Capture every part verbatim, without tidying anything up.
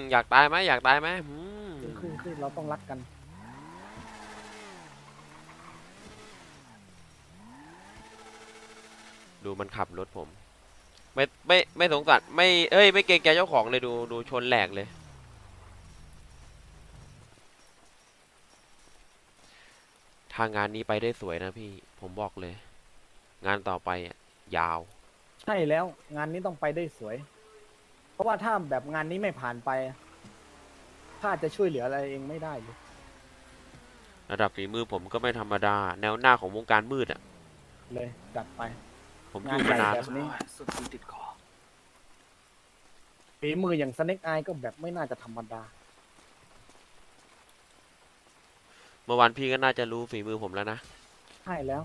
อยากตายไหมอยากตายไหมอืมขึ้นขึ้นขึ้นเราต้องรักกันดูมันขับรถผมไม่ไม่ไม่สงสารไม่เอ้ยไม่เกรงใจเจ้าของเลยดูดูชนแหลกเลยทางงานนี้ไปได้สวยนะพี่ผมบอกเลยงานต่อไปอ่ะยาวใช่แล้วงานนี้ต้องไปได้สวยเพราะว่าถ้าแบบงานนี้ไม่ผ่านไปข้าจะช่วยเหลืออะไรเองไม่ได้เลยระดับฝีมือผมก็ไม่ธรรมดาแนวหน้าของวงการมืดอ่ะเลยจัดไปผมองานยู่ใหญ่มานานแบบนี้สุดติดคอฝีมืออย่างสเน็กไอก็แบบไม่น่าจะธรรมดาเมื่อวานพี่ก็น่าจะรู้ฝีมือผมแล้วนะใช่แล้ว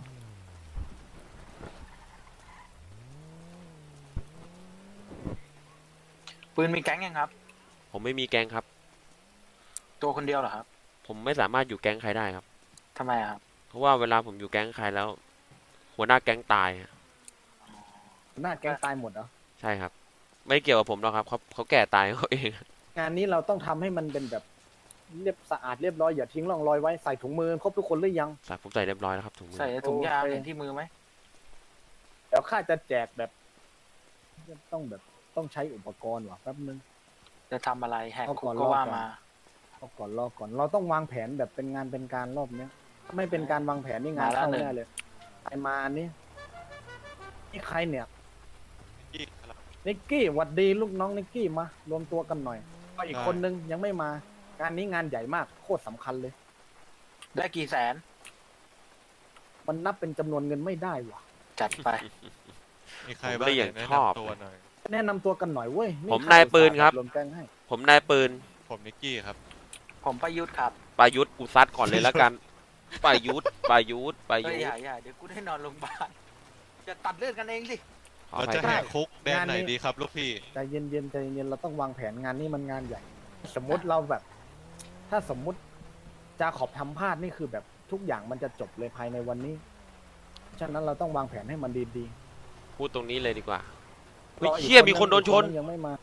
ปืนมีแก๊งยังครับผมไม่มีแก๊งครับตัวคนเดียวเหรอครับผมไม่สามารถอยู่แก๊งใครได้ครับทำไมครับเพราะว่าเวลาผมอยู่แก๊งใครแล้วหัวหน้าแก๊งตายอะหน้าแก๊งตายหมดเหรอใช่ครับไม่เกี่ยวกับผมหรอกครับเขาเขาแก่ตายเขาเองงานนี้เราต้องทำให้มันเป็นแบบเรียบสะอาดเรียบร้อยอย่าทิ้งร่องรอยไว้ใส่ถุงมือครบทุกคนหรือยังใส่ผมใส่เรียบร้อยแล้วครับถุงมือใส่ถุงยางโอเคเห็นที่มือไหมเดี๋ยวข้าจะแจกแบบต้องแบบต้องใช้อุปกรณ์ว่ะแป๊บนึงจะทำอะไรแหกเอาคุก่อก นก็รอบว่าก่อนมารอก่อนรอก่อนเราต้องวางแผนแบบเป็นงานเป็นการรอบเนี้ยถ้าไม่เป็นการวางแผนนี่งานเข้าแน่เลยใครมาอันนี้นี่ใครเนี่ยนิกกี้หวัดดีลูกน้องนิกกี้มารวมตัวกันหน่อยก็อีกคนนึงยังไม่มางานนี้งานใหญ่มากโคตรสำคัญเลยได้กี่แสนมันนับเป็นจำนวนเงินไม่ได้ว่ะจัดไปมีใครบ้างเนี่ยแนะนำตัวหน่อยแนะนำตัวกันหน่อยเว้ยผมนายปืนครับรวมแก๊งให้ผมนายปืนผมนิกกี้ครับผมประยุทธ์ครับประยุทธ์กูซัดก่อนเลยแล้วกันประยุทธ์ประยุทธ์ประเฮ้ยุยทอย่าธ์อย่าเดี๋ยวกูได้นอนโรงพยาบาลจะตัดเลือดกันเองสิขอเราอภัยจะคแหรับกคุกแดนไหนดีครับลูกพี่ใจเย็นๆใจเย็นๆเราต้องวางแผนงานนี้มันงานใหญ่ สมมติเราแบบ ถ้าสมมุติจาขอบทำพลาดนี่คือแบบทุกอย่างมันจะจบเลยภายในวันนี้ ฉะนั้นเราต้องวางแผนให้มันดีพูดตรงนี้เลยดีกว่าๆเฮ้ยรออีกเชี่ยมีคนโดนชนอีกยังไม่มา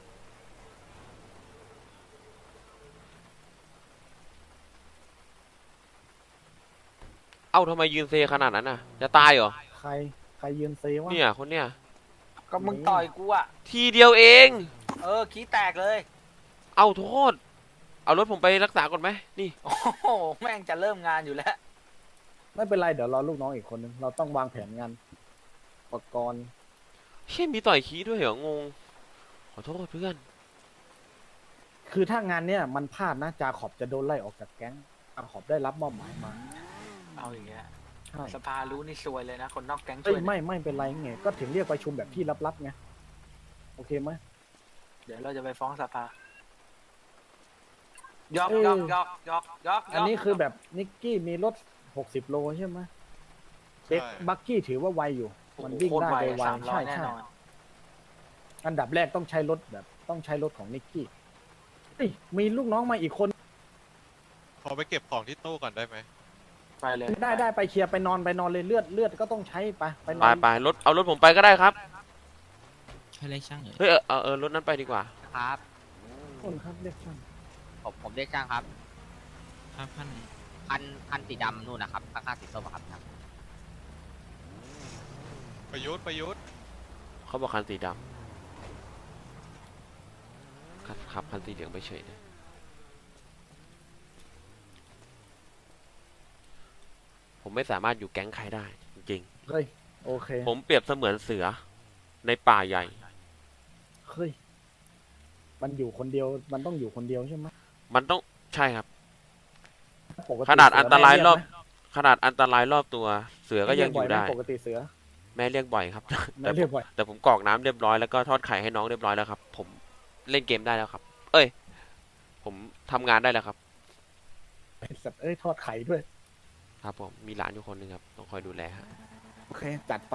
เอ้าทำไมยืนเซขนาดนั้นน่ะจะตายเหรอใครใครยืนเซวะเนี่ยคนเนี้ยก็มึงต่อยกูอ่ะทีเดียวเองเออขี้แตกเลยเอาโทษ เอารถผมไปรักษาก่อนไหมนี่โอ้โหแม่งจะเริ่มงานอยู่แล้วไม่เป็นไรเดี๋ยวรอลูกน้องอีกคนนึงเราต้องวางแผนงานอุปกรณ์เชี่ยมีต่อยขี้ด้วยเหรองงขอโทษเพื่อนคือถ้างานเนี้ยมันพลาดนะจาขอบจะโดนไล่ออกจากแก๊งจาขอบได้รับมอบหมายมาเอาอย่างเงี้ยใช่สภารู้นี่ซวยเลยนะ คนนอกแก๊งซเอ้วย ยไม่ไม่เป็นไรไงก็ถึงเรียกประชุมแบบที่ลับๆไงโอเคไหมเดี๋ยวเราจะไปฟ้องสภา ยอกเออยอกยอกยอกยอกอันนี้คือแบบนิกกี้มีรถหกสิบโลใช่ไหมเด็กใช่บักกี้ถือว่าไวอยู่ มันวิ่งโคตรได้ไวโดยไวสามร้อใช่ยแน่ใช่นอนอันดับแรกต้องใช้รถแบบต้องใช้รถของนิกกี้เฮ้ยมีลูกน้องมาอีกคนขอไปเก็บของที่ตู้ก่อนได้ไหมไปเลยได้ได้ไปเคลียร์ไปนอนไปนอนเลยเลือดเลือดก็ต้องใช้ไปไปนไปอนไปรถเอารถผมไปก็ได้ครับให้เลขช่างเอ่ยเฮ้ยเออเออเออรถนั้นไปดีกว่าครับคนครับเรียกช่างผมผมเรียกช่างครับห้าพันพันพันสีดำนู่นนะครับข้างๆสีส้มอะครับครับประยุทธ์ประยุทธ์เขาบอกคันสีดำครับขับคันสีเหลืองไปเฉยเลยผมไม่สามารถอยู่แก๊งใครได้จริงเฮ้ยโอเคๆผมเปรียบเสมือนเสือในป่าใหญ่เฮ้ยมันอยู่คนเดียวมันต้องอยู่คนเดียวใช่ไหมมันต้องใช่ครับปกติขนาดอันตรายรอบเสืขนาดอันตรายรอบตัว เสือแม่ก็เรียักงอบ่อยยู่ไหมได้ปกติเสือแม่เรียกบ่อยครับแม่แต่เรียกบ่อยแต่ผมกรอกน้ำเรียบร้อยแล้วก็ทอดไข่ให้น้องเรียบร้อยแล้วครับ ผมเล่นเกมได้แล้วครับ เอ้ย ผมทำงานได้แล้วครับไอ้สัตว์เอ้ยทอดไข่ด้วยครับผมมีหลานอยู่คนหนึ่งครับต้องคอยดูแลฮะโอเคจัดไป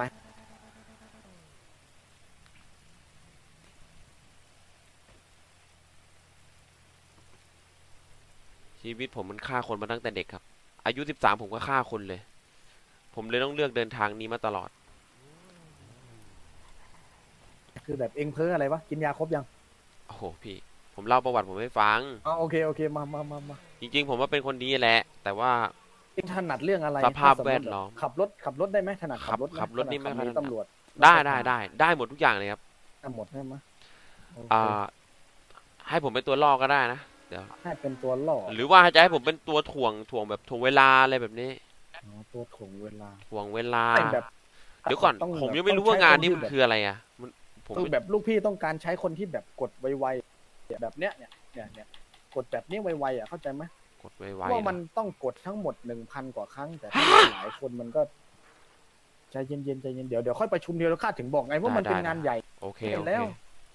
ชีวิตผมมันฆ่าคนมาตั้งแต่เด็กครับ อายุสิบสามผมก็ฆ่าคนเลย ผมเลยต้องเลือกเดินทางนี้มาตลอดคือแบบเองเพ้ออะไรวะกินยาครบยังโอ้โหพี่ผมเล่าประวัติผมให้ฟังอ๋อโอเคโอเคมามามามาจริงๆ ผมว่าเป็นคนดีแหละ แต่ว่าเองถนัดเรื่องอะไรสภาพถ้สมมุติแวดล้อมขับรถขับรถได้ไหมถนัดขับรถหขับรถนี่ไม่ถนัดค่อยขับหนีถนัดตำรวจได้ได้ได้ได้หมดทุกอย่างเลยครับได้หมดใช่ไหมโอเคอ่า ให้ผมเป็นตัวล่อก็ได้นะเดี๋ยวให้เป็นตัวล่อหรือว่าจะให้ผมเป็นตัวถ่วงถ่วงแบบถ่วงเวลาอะไรแบบนี้อ๋อตัวถ่วงเวลาถ่วงเวลาไม่แบบเดี๋ยวก่อนต้องผมแบบยังไม่รู้ต้ว่าใช้งานคนี้ที่มันแบบคืออะไรอ่ะมันผมคือแบบลูกพี่ต้องการใช้คนที่แบบกดไวๆแบบเนี้ยเนี่ยเนี่ยเนี่ยกดแบบนี้ไวๆอ่ะเข้าใจไหมกดไวเพราะๆว่ามันนะต้องกดทั้งหมดหนึ่งพันกว่าครั้ง แต่ถ้าหลายคนมันก็ใจเย็นๆใจเย็นเดี๋ยวเดี๋ยวค่อยประชุมเดียวแล้วข้าถึงบอกไงว่ามันเป็นงานใหญ่โอเคเห็โอน เคแล้ว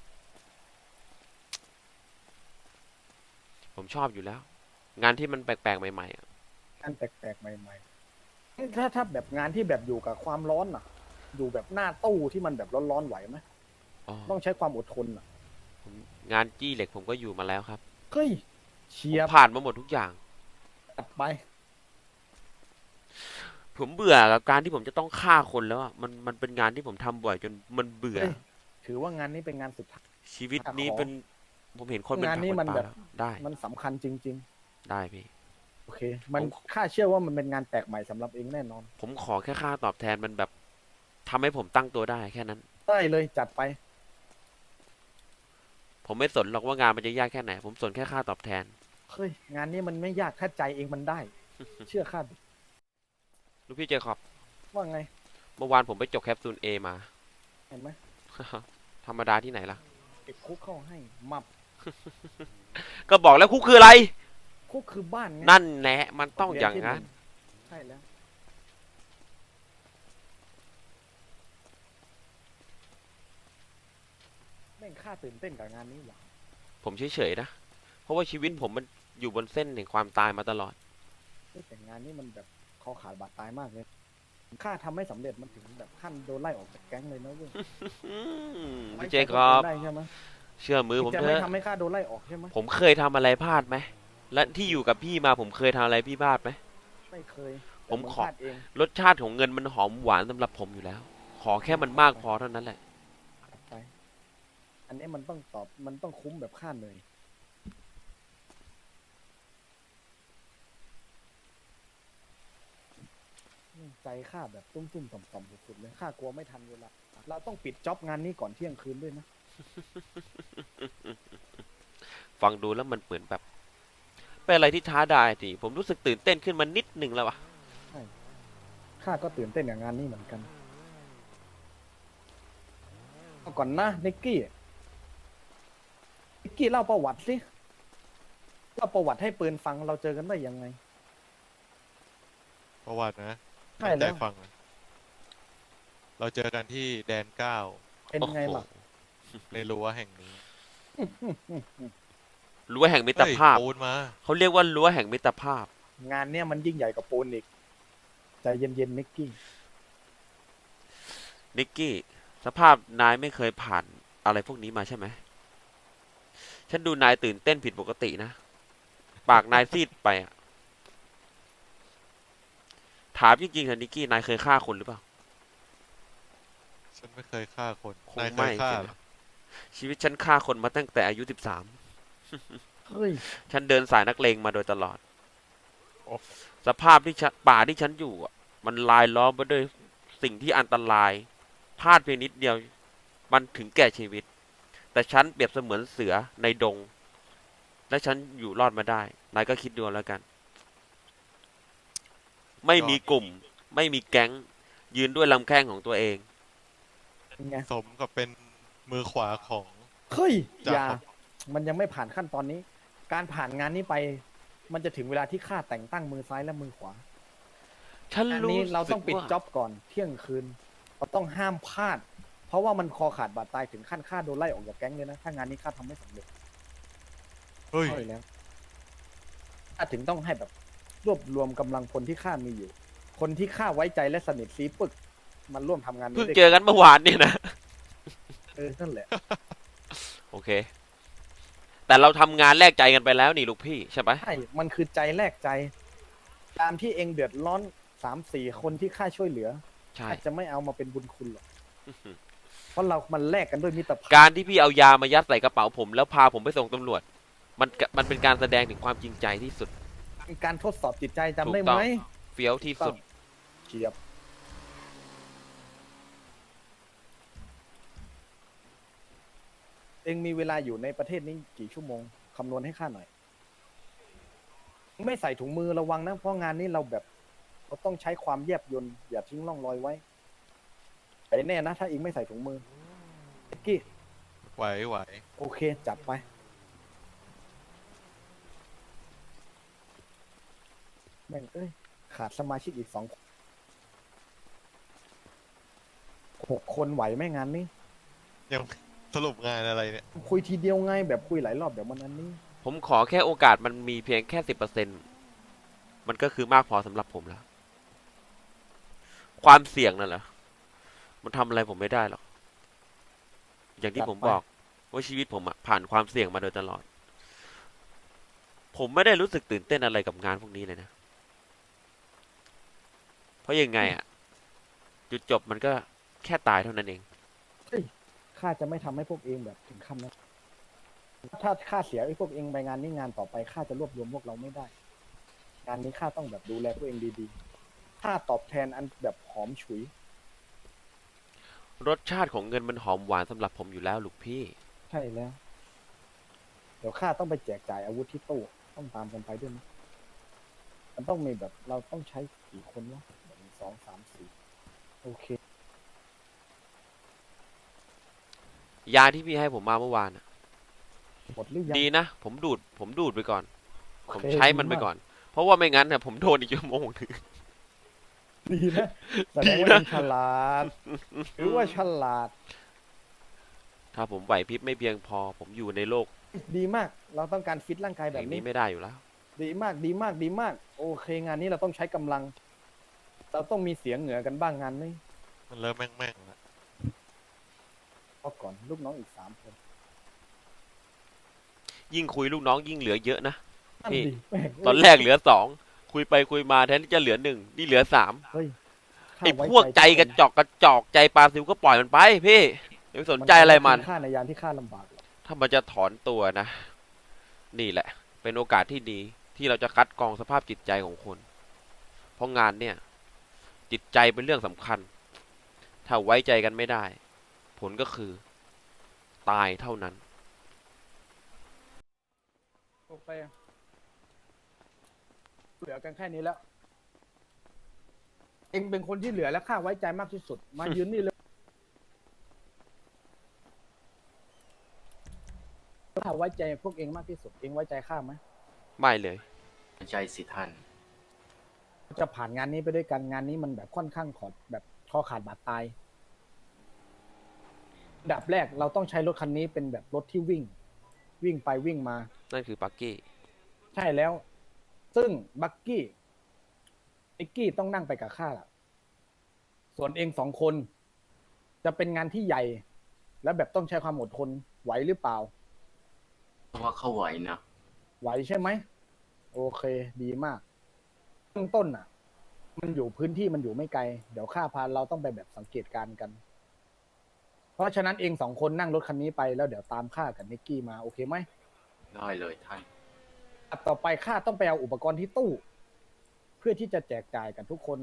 ผมชอบอยู่แล้ว งานที่มันแปลกๆใหม่ๆอะงานแปลกๆใหม่ๆถ้าถ้าแบบงานที่แบบอยู่กับความร้อนอ่ะ อยู่แบบหน้าตู้ที่มันแบบร้อนๆไหวไหมอ๋อต้องใช้ความอดทนอ่ะผมงานจี้เหล็กผมก็อยู่มาแล้วครับเฮ้ยเชียผมบผ่านมาหมดทุกอย่างตัดไปผมเบื่อกับการที่ผมจะต้องฆ่าคนแล้วอะมันมันเป็นงานที่ผมทำบ่อยจนมันเบื่อเฮ้ย ถือว่างานนี้เป็นงานสุดท้ายชีวิตนี้ขอเป็น ผมเห็นคนเป็นงานนี้ผักมันเป็ปลาแบบแล้วได้มันสำคัญจริงได้พี่ๆ โอเค มันผมข้าเชื่อว่ามันเป็นงานแปลกใหม่สำหรับเองแน่นอนผมขอแค่ค่าตอบแทนมันแบบทำให้ผมตั้งตัวได้แค่นั้นได้เลยจัดไปผมไม่สนหรอกว่างานมันจะยากแค่ไหน ผมสนแค่ค่าตอบแทนเฮ้ย งานนี้มันไม่ยากถ้าใจเองมันได้ เชื่อข้าดิลูกพี่เจคอบว่าไงเมื่อวานผมไปจกแคปซูลเอมาเห็นไหมธรรมดาที่ไหนล่ะติดคุกเข้าให้มับก็บอกแล้วคุกคืออะไรคุกคือบ้านไงนั่นแหละมันต้องอย่างนั้นใช่แล้ว แม่งข้าตื่นเต้นกับงานนี้ว่ะผมเฉยๆนะ เพราะว่าชีวิตผมมันอยู่บนเส้นแห่งความตายมาตลอดเฮ้ยแต่งานนี้มันแบบคอขาดบาดตายมากเลยข้าทำไม่สำเร็จมันถึงแบบขั้นโดนไล่ออกจากแก๊งเลยนะเว้ยอืมไว้พี่ใจเจคคน รับอื่นได้ใช่ไหมเชื่อมือผมจะเถไม่อะทำให้ข้าโดนไล่ออกใช่ไหมผมเคยทำอะไรพลาดไหม และที่อยู่กับพี่มาผมเคยทำอะไรพี่พลาดไหมไม่เคยผมแต่งขอพลาดเองรสชาติของเงินมันหอมหวานสำหรับผมอยู่แล้ว ขอแค่มันมากพอเท่านั้นแหละไป อันนี้มันต้องตอบมันต้องคุ้มแบบข้าเหนื่อยใจข้าแบบตุ้มๆต่อมๆสุดๆเลยข้ากลัวไม่ทันเวลาเราต้องปิดจ็อบงานนี้ก่อนเที่ยงคืนด้วยนะฟังดูแล้วมันเหมือนแบบ เป็นอะไรที่ท้าทายสิผมรู้สึกตื่นเต้นขึ้นมานิดนึงแล้ววะข้าก็ตื่นเต้นกับงานนี้เหมือนกันเอาก่อนนะนิกกี้นิกกี้เล่าประวัติสิเล่าประวัติให้ปืนฟังเราเจอกันได้ยังไงประวัตินะใช่ตั้งแล้ใจวฟังนะเราเจอกันที่แดนเก้าเป็นไงล่ะในรั้วแห่งนี้รั้วแห่งมิตรภาพเฮ้ยปูนมาเขาเรียกว่ารั้วแห่งมิตรภาพงานเนี้ยมันยิ่งใหญ่กว่าปูนอีกใจเย็นๆนิกกี้นิกกี้ สภาพนายไม่เคยผ่านอะไรพวกนี้มาใช่ไหม ฉันดูนายตื่นเต้นผิดปกตินะ ปากนายซีดไปอะถามจริงๆเถอะนิกกี้ นายเคยฆ่าคนหรือเปล่าฉันไม่เคยฆ่าคนคงนายเคไม่ยฆ่าสิเหรนะอชีวิตฉันฆ่าคนมาตั้งแต่อายุสิบสามเฮ้ยฉันเดินสายนักเลงมาโดยตลอดโอ้สภาพที่ฉันป่าที่ฉันอยู่อะมันลายล้อมไปด้วยสิ่งที่อันตราย พลาดเพียงนิดเดียว มันถึงแก่ชีวิต แต่ฉันเปรียบเสมือนเสือในดง และฉันอยู่รอดมาได้ นายก็คิดดูแล้วกัน ไม่มีกลุ่ม ไม่มีแก๊ง ยืนด้วยลำแข้งของตัวเองเป็นไงสมกับเป็นมือขวาของเฮ้ยจ้ะอย่าครับมันยังไม่ผ่านขั้นตอนนี้ การผ่านงานนี้ไป มันจะถึงเวลาที่ข้าแต่งตั้งมือซ้ายและมือขวาฉันอันรู้นี้เราต้องสึกปิดว่าจ็อบก่อนเที่ยงคืน เราต้องห้ามพลาด เพราะว่ามันคอขาดบาดตายถึงขั้นข้าโดนไล่ออกจากแก๊งเลยนะ ถ้างานนี้ข้าทำไม่สำเร็จเฮ้ยใช่แล้วข้าถึงต้องให้แบบรวบรวมกำลังพลที่ข้ามีอยู่ คนที่ข้าไว้ใจและสนิทซีปึก มันร่วมทำงานนี้เพิ่งด้วยเจอกันเมื่อวานเนี่ยนะเออนั่นแหละโอเค แต่เราทำงานแลกใจกันไปแล้วนี่ลูกพี่ใช่ไหมใช่ มันคือใจแลกใจ ตามที่เองเดือดร้อนสามสี่คนที่ข้าช่วยเหลือใช่อาจจะไม่เอามาเป็นบุญคุณหรอกเพราะเรามันแลกกันด้วยมิตรภาพการที่พี่เอายามายัดใส่กระเป๋าผม แล้วพาผมไปส่งตำรวจ มันกะมันเป็นการแสดงถึงความจริงใจที่สุดเป็นการทดสอบจิตใจจำได้ถูกต้ไหมอง เฟี้ยวที่สุดเฉียบเองมีเวลาอยู่ในประเทศนี้กี่ชั่วโมงคำนวณให้ข้าหน่อย ไม่ใส่ถุงมือระวังนะ เพราะงานนี้เราแบบเราต้องใช้ความแยบยลอย่าทิ้งร่องรอยไว้แต่แน่นะ ถ้าเองไม่ใส่ถุงมือเอ็กกี้ไหวไหวโอเค จัดไป แม่งเอ้ย ขาดสมาชิกอีกสองคนหกคนไหวไหมงานนี้ยังสรุปงานอะไรเนี่ยคุยทีเดียวไงแบบคุยหลายรอบเดี๋ยวมันอันนี้ผมขอแค่โอกาสมันมีเพียงแค่สิบเปอร์เซ็นมันก็คือมากพอสำหรับผมแล้ว ความเสี่ยงนั่นแหละมันทำอะไรผมไม่ได้หรอก อย่างที่จัดผมไปบอกว่าชีวิตผมอะผ่านความเสี่ยงมาโดยตลอด ผมไม่ได้รู้สึกตื่นเต้นอะไรกับงานพวกนี้เลยนะ เพราะยังไงอะจุดจบมันก็แค่ตายเท่านั้นเองเฮ้ยข้าจะไม่ทำให้พวกเองแบบถึงขั้นนะถ้าข้าเสียไอ้พวกเองไปงานนี้งานต่อไปข้าจะรวบรวมพวกเราไม่ได้ งานนี้ข้าต้องแบบดูแลพวกเองดีๆข้าตอบแทนอันแบบหอมฉุยรสชาติของเงินมันหอมหวานสำหรับผมอยู่แล้วลูกพี่ใช่แล้ว เดี๋ยวข้าต้องไปแจกจ่ายอาวุธที่ตู้ต้องตามกันไปด้วยนะมันต้องมีแบบเราต้องใช้กี่คนวะหนึ่งสองสามสี่โอเคยาที่พี่ให้ผมมาเมื่อวานอะหมดหรือยังดีนะ ผมดูด ผมดูดไปก่อน ผมโอเคใช้มันไปดีากก่อน เพราะว่าไม่งั้นเนี่ยผมโดนอีกชั่วโมงหนึงดีนะแสดงว่าดีนะยังฉลาด หรือว่าฉลาดถ้าผมไหวพริบไม่เพียงพอ ผมอยู่ในโลกดีมาก เราต้องการฟิตร่างกายแบแบบ บนี้นี้ไม่ได้อยู่แล้วดีมาก ดีมาก ดีมาก โอเค งานนี้เราต้องใช้กำลัง เราต้องมีเสียงเหนือกันบ้างงานนี้มันเริ่มแม่งแม่งๆแล้วเอาก่อนลูกน้องอีกสามคนยิ่งคุยลูกน้องยิ่งเหลือเยอะนะนั่นพี่ดิแม่งตอนแรกเหลือสอง คุยไปคุยมาแทนที่จะเหลือหนึ่ง นี่เหลือสามเฮ้ยข้าไอ้ว้พวกใจกระจอกกระจอกใจปลาซิวก็ปล่อยมันไปพี่อย่าไปสนใจอะไรมันค่าในยามที่ข้าลำบากหรอกถ้ามันจะถอนตัวนะ นี่แหละ เป็นโอกาสที่ดีที่เราจะคัดกรองสภาพจิตใจของคน เพราะงานเนี่ย จิตใจเป็นเรื่องสำคัญ ถ้าไว้ใจกันไม่ได้ ผลก็คือ ตายเท่านั้นโอเคเหลือกันแค่นี้แล้ว เองเป็นคนที่เหลือและข้าไว้ใจมากที่สุด มายืนนี่เลยข้าไว้ใจพวกเองมากที่สุด เองไว้ใจข้าไหมไม่เลยใช่สิท่านจะผ่านงานนี้ไปด้วยกันงานนี้มันแบบค่อนข้างขอดแบบคอขาดบาดตายอันดับแรกเราต้องใช้รถคันนี้เป็นแบบรถที่วิ่ง วิ่งไปวิ่งมานั่นคือปักกี้ใช่แล้ว ซึ่งบักกี้ไอ้กี้ต้องนั่งไปกับข้าล่ะ ส่วนเองสองคน จะเป็นงานที่ใหญ่ และแบบต้องใช้ความอดทนไหวหรือเปล่าเพราะว่าเขาไหวนะไหวใช่ไหม โอเค ดีมากเบื้องต้นอ่ะ มันอยู่พื้นที่มันอยู่ไม่ไกล เดี๋ยวข้าพาเราต้องไปแบบสังเกตการณ์กัน เพราะฉะนั้นเองสองคนนั่งรถคันนี้ไปแล้วเดี๋ยวตามข้ากับนิกกี้มาโอเคไหมได้เลยท่านอันต่อไปข้าต้องไปเอาอุปกรณ์ที่ตู้ เพื่อที่จะแจกจ่ายกันทุกคน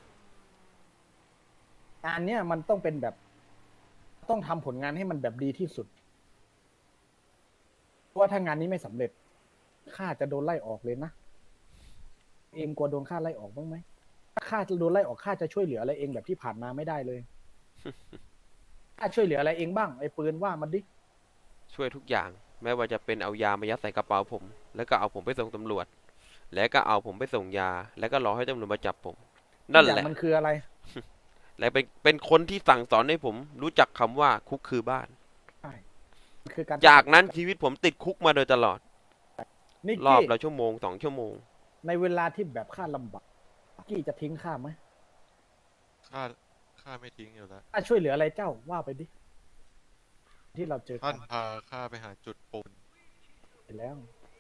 งานเนี้ยมันต้องเป็นแบบ ต้องทำผลงานให้มันแบบดีที่สุดเพราะว่าถ้างานนี้ไม่สำเร็จข้าจะโดนไล่ออกเลยนะเองกลัวโดนข้าไล่ออกบ้างไหมถ้าข้าจะโดนไล่ออกข้าจะช่วยเหลืออะไรเองแบบที่ผ่านมาไม่ได้เลย ข้าช่วยเหลืออะไรเองบ้างไอ้ปืนว่ามันดิช่วยทุกอย่าง ไม่ว่าจะเป็นเอายามายัดใส่กระเป๋าผม แล้วก็เอาผมไปส่งตำรวจ แล้วก็เอาผมไปส่งยา แล้วก็รอให้ตำรวจมาจับผม นั่นทุกอแหย่าละงมันคืออะไรและเป็นเป็นคนที่สั่งสอนให้ผมรู้จักคำว่าคุกคือบ้านใช่มันคือการจากนั้นชีวิตผมติดคุกมาโดยตลอดนิกรอบกี้ละชั่วโมงสองชั่วโมงในเวลาที่แบบข้าลำบากนิกกี้จะทิ้งข้าไหมข้าข้าไม่ทิ้งอยู่แล้วข้าช่วยเหลืออะไรเจ้าว่าไปดิ ที่เราเจอกัท่าน นพาข้าไปหาจุดปูนไปแล้ว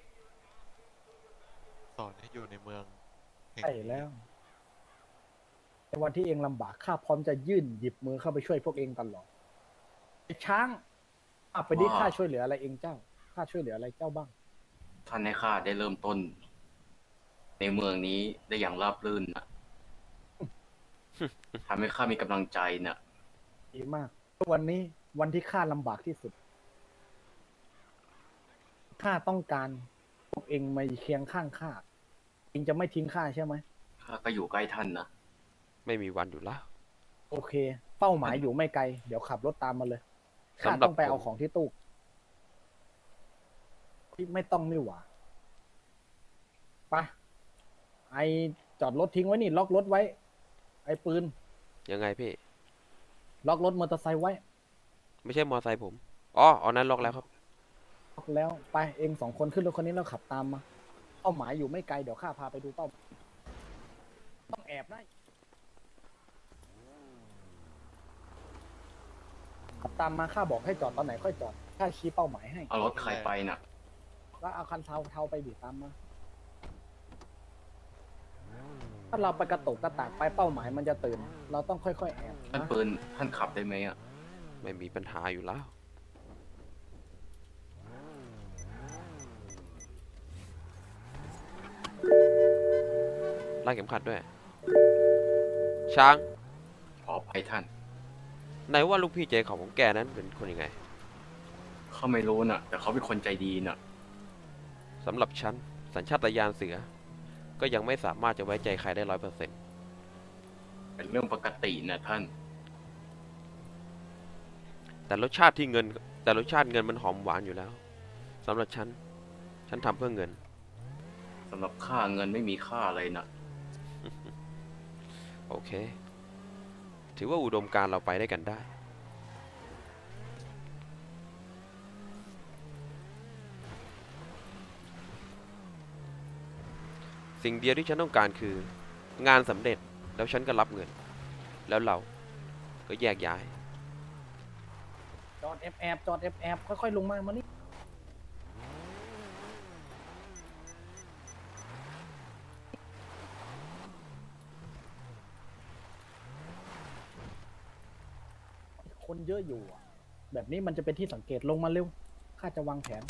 สอนให้อยู่ในเมืองแห่งใช่นี้แล้ว ในวันที่เองลำบากข้าพร้อมจะยื่นหยิบมือเข้าไปช่วยพวกเองตลอดไอ้ช้างอ่ะไปดิว่าข้าช่วยเหลืออะไรเองเจ้าข้าช่วยเหลืออะไรเจ้าบ้างท่านให้ข้าได้เริ่มต้น ในเมืองนี้ได้อย่างราบรื่นนะทำให้ข้ามีกำลังใจนะดีมากวันนี้วันที่ข้าลำบากที่สุดข้าต้องการพวกเองมาเคียงข้างข้าเองจะไม่ทิ้งข้าใช่ไหมข้าก็อยู่ใกล้ท่านนะไม่มีวันอยู่แล้วโอเค เป้าหมายอยู่ไม่ไกล เดี๋ยวขับรถตามมาเลยข้าสำหรับต้องไปเอาผมของที่ตู้ที่ไม่ต้องนี่หว่าไปไอจอดรถทิ้งไว้นี่ล็อกรถไว้ ไอปืนยังไงพี่ล็อกรถมอเตอร์ไซค์ไว้ไม่ใช่มอไซค์ผม อ๋อเอานั้นล็อกแล้วครับล็อกแล้วไปเองสองคนขึ้นรถคันนี้แล้วขับตามมาเป้าหมายอยู่ไม่ไกลเดี๋ยวข้าพาไปดูเป้าหมายต้องแอบนะขับตามมาข้าบอกให้จอดตอนไหนค่อยจอดข้าชี้เป้าหมายให้เอารถใครไปน่ะแล้วเอาคันเทาเทาไปดิตามมา ถ้าเราไปกระตุกกระตากไปเป้าหมายมันจะตื่น เราต้องค่อยๆแอบท่านนะปืนท่านขับได้ไหมอ่ะไม่มีปัญหาอยู่แล้ว ไล่เข็มขัดด้วย ช้างขอไปท่านไหนว่าลูกพี่เจของผมแกนั้นเป็นคนยังไงเขาไม่รู้น่ะ แต่เขาเป็นคนใจดีน่ะสำหรับฉัน สัญชาตญาณเสือ ก็ยังไม่สามารถจะไว้ใจใครได้ร้อยเปอร์เซ็นต์เป็นเรื่องปกตินะท่านแต่รสชาติที่เงิน แต่รสชาติเงินมันหอมหวานอยู่แล้วสำหรับฉัน ฉันทำเพื่อเงินสำหรับค่าเงินไม่มีค่าเลยนะโอเค ถือว่าอุดมการณ์เราไปได้กันได้ สิ่งเดียวที่ฉันต้องการคือ งานสำเร็จแล้วฉันก็รับเงิน แล้วเราก็แยกย้ายจอดแอบแอบจอดแอบแอบค่อยๆลงมามานี่คนเยอะอยู่อะแบบนี้มันจะเป็นที่สังเกตลงมาเร็วข้าจะวางแผน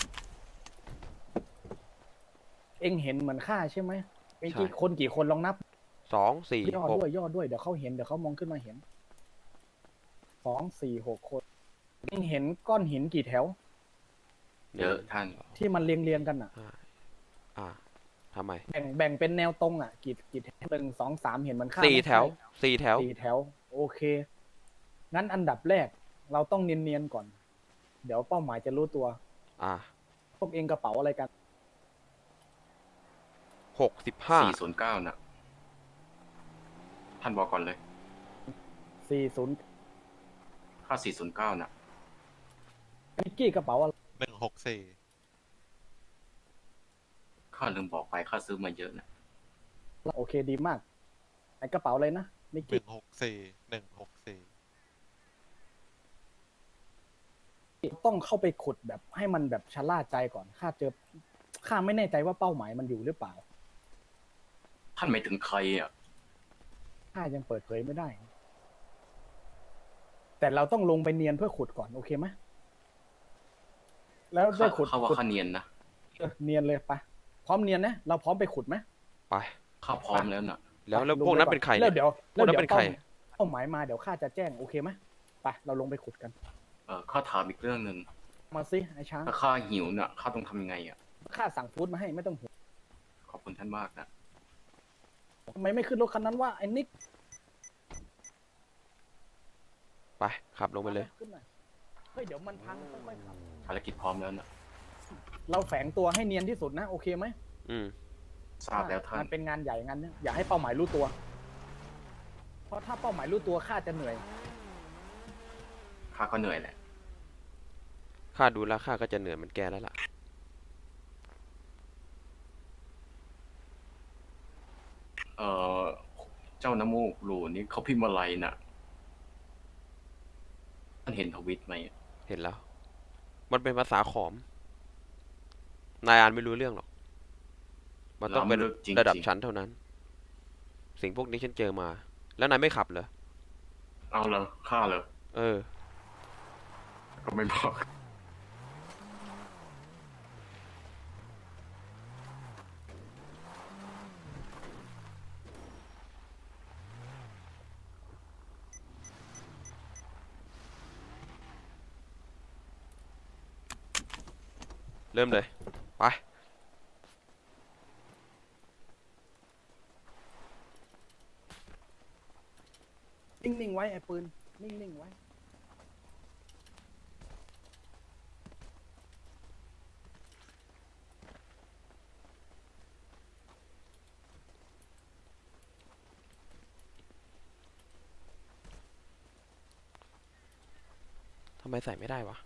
เอ็งเห็นเหมือนข้าใช่ไหมเอ็งกี่ใช่คนกี่คนลองนับสองสี่ย่อหกด้วยย่อด้วยเดี๋ยวเขาเห็นเดี๋ยวเขามองขึ้นมาเห็นสองสี่หกคนเอ็งเห็นก้อนหินกี่แถวเยอะท่านที่มันเรียงเรียงๆกันอ่ะห้าอ่าทำไมแบ่งแบ่งเป็นแนวตรงอ่ะกี่กี่แถวหนึ่งสองสามเห็นมันข้ามสี่ไหมแถวสี่แถวสี่แถว โอเค งั้นอันดับแรก เราต้องเนียนๆก่อน เดี๋ยวเป้าหมายจะรู้ตัวอ่าพวกเองกระเป๋าอะไรกันหกสิบห้าสี่ศูนย์เก้าน่ะ ท่านบอกก่อนเลยสี่ศูนย์ค่าสี่ศูนย์เก้าน่ะนิกกี้กระเป๋าอะไรหนึ่งหกสี่ข้าลืมบอกไปข้าซื้อมาเยอะนะโอเคดีมากไอกระเป๋าอะไรนะนิกหนึ่กี้งหกสี่หนึ่งหกสี่ต้องเข้าไปขุดแบบให้มันแบบชะล่าใจก่อน ข้าเจอ ข้าไม่แน่ใจว่าเป้าหมายมันอยู่หรือเปล่าท่านหมายถึงใครอ่ะข้ายังเปิดเผยไม่ได้ แต่เราต้องลงไปเนียนเพื่อขุดก่อนโอเคไหมแล้วได้ข้าขุดข้าว่าขุดข้าเนียนนะเออเนียนเลยไปพร้อมเนียนนะเราพร้อมไปขุดไหมไปข้าพร้อมแล้วน่ะแล้วแล้วไปพวกนั้นลงไเป็นใครแล้วเนี่ยเดี๋ยวพวกนั้นแล้วเป็นดี๋ยวใครเป้าหมายมาเดี๋ยวข้าจะแจ้งโอเคไหมไปเราลงไปขุดกันเออข้าถามอีกเรื่องหนึ่งมาสิไอ้ช้างถ้าข้าหิวน่ะ ข้าต้องทำยังไงอ่ะข้าสั่งฟู้ดมาให้ไม่ต้องห่วงขอบคุณท่านมากนะทำไมไม่ขึ้นรถคันนั้นว่าไอ้นิกไปขับลงไปเลยขึ้นหน่อยเฮ้ยเดี๋ยวมันพังค่อยๆขับภารกิจพร้อมแล้วน่ะเราแฝงตัวให้เนียนที่สุดนะโอเคไหมอืมทราบแล้วท่านมันเป็นงานใหญ่งานเนี้ยอย่าให้เป้าหมายรู้ตัว เพราะถ้าเป้าหมายรู้ตัวข้าจะเหนื่อยข้าก็เหนื่อยแหละข้าดูแล้วข้าก็จะเหนื่อยเหมือนแกแล้วล่ะเออเจ้าน้ำมูกหลูนี่เขาพิมพ์อะไรน่ะ ท่านเห็นทวิตไหมเห็นแล้ว มันเป็นภาษาขอม นายอ่านไม่รู้เรื่องหรอก มันต้องเป็นล้ำลึกจริงๆระดับชั้นเท่านั้น สิ่งพวกนี้ฉันเจอมา แล้วนายไม่ขับเหรอเอาเลยข้าเลยเออก็ไม่บอกเริ่มเลย ไปนิ่งๆไว้ไอ้ปืน นิ่งๆไว้ทำไมใส่ไม่ได้วะ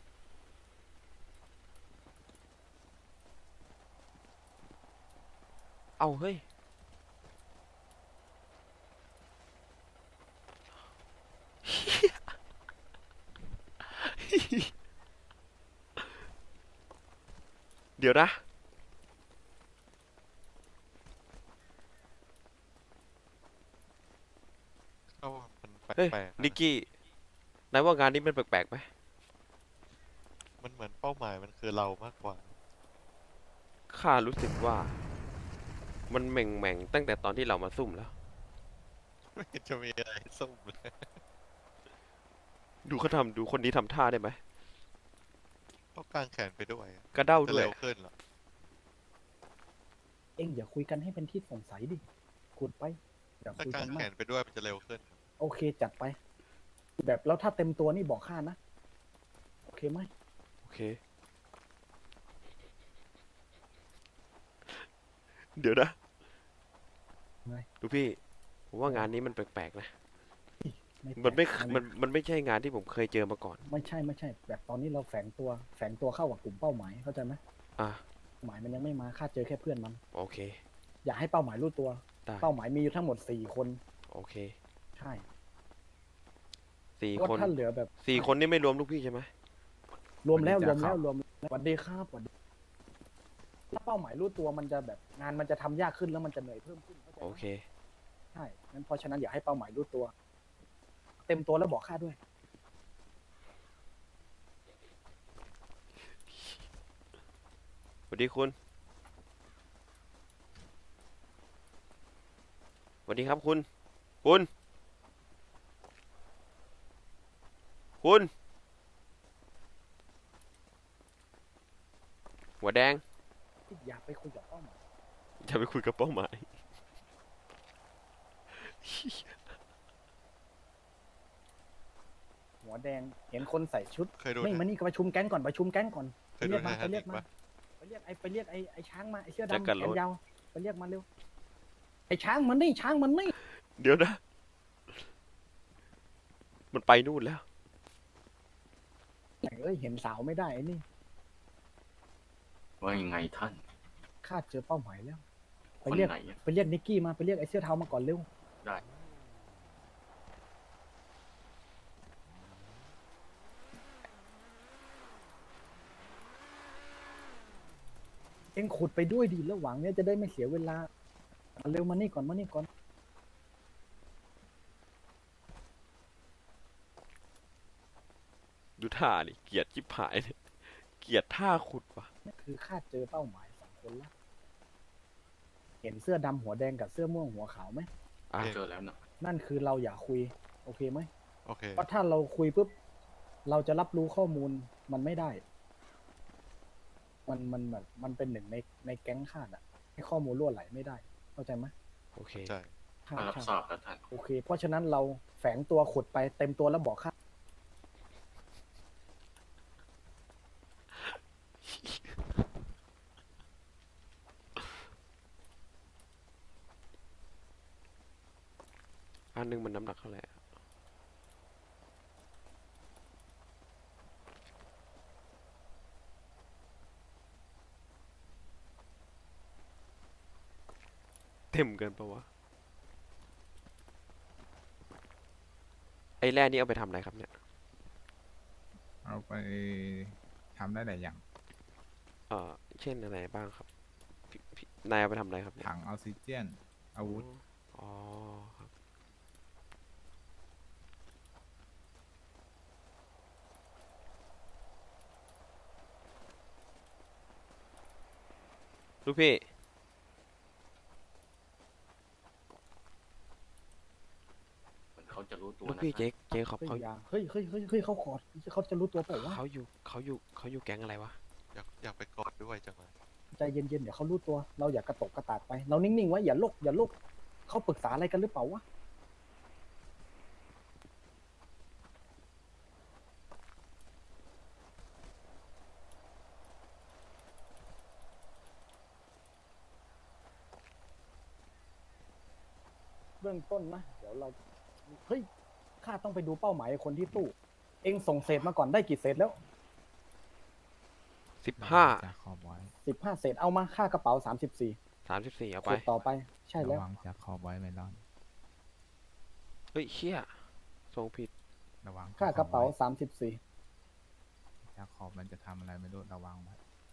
เอาเฮ้ย เดี๋ยวนะก็มันแปเฮ้ยลกๆนะนิกกี้ นายว่างานนี้มันแปลกๆไหมมันเหมือนเป้าหมายมันคือเรามากกว่าข้ารู้สึกว่า มันแหม่งๆ ตั้งแต่ตอนที่เรามาซุ่มแล้วไม่เห็นจะมีอะไรส้มเลยดูเขาทำดูคนนี้ทำท่าได้ไหมต้องกางแขนไปด้วยอะกระเด้าจะด้วยเร็วขึ้นเหรอเอ็งอย่าคุยกันให้เป็นที่สงสัยดิขุดไป อย่าถ้าคุยกากังนแขมากนไปด้วยมันจะเร็วขึ้นโอเคจัดไป แบบแล้วถ้าเต็มตัวนี่บอกข้านะ โอเคไหมโอเค เดี๋ยวนะไงดูพี่ ผมว่างานนี้มันแปลกๆนะแปลกมันไม่อัมัน มันไม่ใช่งานที่ผมเคยเจอมาก่อนไม่ใช่ไม่ใช่ แบบตอนนี้เราแฝงตัว แฝงตัวเข้ากับกลุ่มเป้าหมาย เข้าใจไหมอ่ะเป้าหมายมันยังไม่มาข้าเจอแค่เพื่อนมันโอเคอย่าให้เป้าหมายรู้ตัวได้เป้าหมายมีอยู่ทั้งหมดสี่คนโอเคใช่สี่เพราะคนถ้าเหลือแบบสี่คนนี่ไม่รวมลูกพี่ใช่ไหมรวมแล้ววันรนี้วมจะแล้วเข้ารวมแล้วสวัสดีครับสวัสดีถ้าเป้าหมายรู้ตัวมันจะแบบงานมันจะทำยากขึ้นแล้วมันจะเหนื่อยเพิ่มขึ้นเข้าใจไหมโอเคใช่งั้นเพราะฉะนั้นอย่าให้เป้าหมายรู้ตัว เต็มตัวแล้วบอกข้าด้วยสวัสดีคุณ สวัสดีครับคุณ คุณ คุณ หัวแดงอย่าไปคุยกับเป้าหมายจะไปคุยกับเป้าหมายหัวแดงเห็นคนใส่ชุดเคยดูไม่นะมานี่ก็ประชุมแก๊งก่อนประชุมแก๊งก่อนเคไปยดูเรียกมานะไปเรียกฮะมาปะไปเรียกไอ้ไปเรียกไอ้ไอ้ช้างมาไอ้เสื้อแจ็คดำกันแขโรนดยาวไปเรียกมาเร็วไอ้ช้างมันนี่ช้างมันนี่เดี๋ยวนะ มันไปนู่นแล้วเอ้ยเห็นสาวไม่ได้ไอ้นี่ว่ายังไงท่านข้าเจอเป้าหมายแล้วคไปนเรียกไหนอะไปเรียกนิกกี้มาไปเรียกไอ้เสื้อเทามาก่อนเร็วได้เอ็งขุดไปด้วยดีแล้วหวังเนี่ยจะได้ไม่เสียเวลามาเร็วมานี่ก่อนมานี่ก่อนดูท่าดิเกลียดชิบหายเนี่ยเกลียดท่าขุดว่ะนี่คือข้าเจอเป้าหมายสองคนแล้ว เห็นเสื้อดำหัวแดงกับเสื้อม่วงหัวขาวไหมอ่ะเจอแล้วนะนั่นคือเราอย่าคุย โอเคไหมโอเคเพราะถ้าเราคุยปุ๊บ เราจะรับรู้ข้อมูลมันไม่ได้ มันมันแบบมันเป็นหนึ่งในในแก๊งข้าอะให้ข้อมูลรั่วไหลไม่ได้ เข้าใจไหมโอเคใช่ใช่มารับใช่ทราบแล้วท่านโอเค เพราะฉะนั้นเราแฝงตัวขุดไปเต็มตัวแล้วบอกข้าอันหนึงมันน้ำหนักเท่าไหร่อะเต็มเกินปะวะ ไอ้แร่นี่เอาไปทำอะไรครับเนี่ยเอาไปทำได้หลายอย่างเอ่อ เช่นอะไรบ้างครับพี่พี่นายเอาไปทำอะไรครับเนี่ยถังออกซิเจน อาวุธอ๋อครับแลูกพี่เหมือนเขาจะรู้ตัวลูกนะพี่คเจ๊รับเจ๊เขาเฮ้ยเขาอย่าเฮ้ยเฮ้ยเฮ้ยเฮ้ยเขาขอดเขาจะรู้ตัวเปล่าวะเขาอยู่เขาอยู่เขาอยู่แก๊งอะไรวะอยากอยากไปกอดด้วยจังเลยใจเย็นๆเดี๋ยวเขารู้ตัว เราอย่ากระตกกระตากไปเรานิ่งๆไว้อย่าโลกอย่าโลกเขาปรึกษาอะไรกันหรือเปล่าวะเบื้องต้นนะเดี๋ยวเราเฮ้ยข้าต้องไปดูเป้าหมายคนที่ตู้ เองส่งเศษมาก่อนได้กี่เศษแล้วสิบห้าจะขอบไว้สิบห้าเศษเอามาค่ากระเป๋าสามสิบสี่สามสิบสี่เอาเศไปษต่อไป ใช่แล้ระววังจะขอบไว้ไม่รอดเฮ้ยเชี่ยส่งผิดระวังค่ากระเป๋าขอบไว้สามสิบสี่จะขอบมันจะทำอะไรไม่รู้ระวังไว้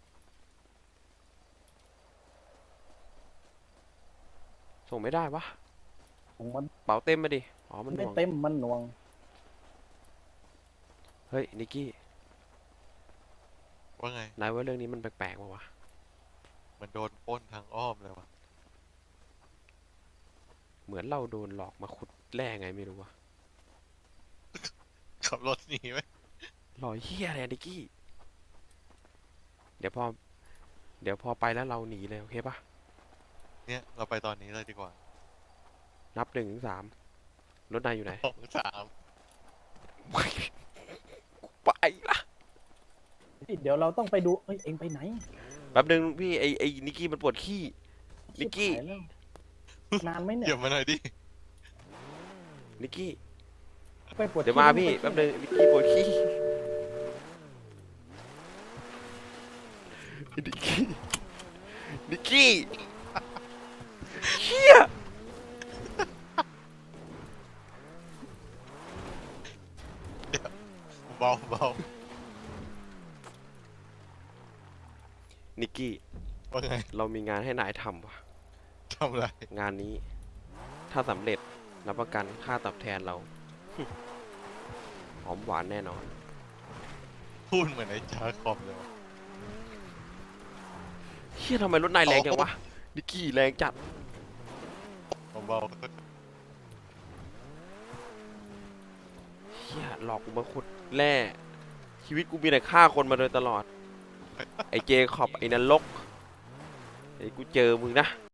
ส่งไม่ได้วะของมันเป๋าเต็มมาดิ อ๋อ มันหไม่น่วงเต็มมันหน่วงเฮ้ย นิกกี้ว่าไงนายว่าเรื่องนี้มันแปลกๆป่าวะมันโดนปล้นทางอ้อมเลยวะเหมือนเราโดนหลอกมาขุดแร่ไงไม่รู้วะขับรถหนีไหมหลอกเฮียอะไรอะนิกกี้ เดี๋ยวพอ เดี๋ยวพอไปแล้วเราหนีเลยโอเคปะเนี่ยเราไปตอนนี้เลยดีกว่านับหนึ่งถึงสามรถนายอยู่ไหนสองสามไปละเดี๋ยวเราต้องไปดู เอ้ย เองไปไหนแป๊บนึงพี่ไอไอนิกกี้มันปวดขี้ นิกกี้ชิบหายแล้วนานไหมเนี่เดี๋ยยวมาหน่อยดินิกกี้ไปปวดเดี๋ยวมาขี้พี่ไปแป๊บนึงนิกกี้ปวดขี้นิกกี้นิกกี้เฮียเบาเบานิกกี้ว่าไงเรามีงานให้นายทำว่ะทำอะไรงานนี้ ถ้าสำเร็จรับประกันค่าตอบแทนเรา หอมหวานแน่นอนพูดเหมือนไอ้จาคอมเลยวะเฮียทำไมรถนายแรงจังวะ นิกกี้แรงจัดเบาเฮียหลอกกูมาขุดแร่ชีวิตกูมีแต่ฆ่าคนมาโดยตลอด ไอ้เจคอบไอ้นรกไอ้กูเจอมึงนะๆ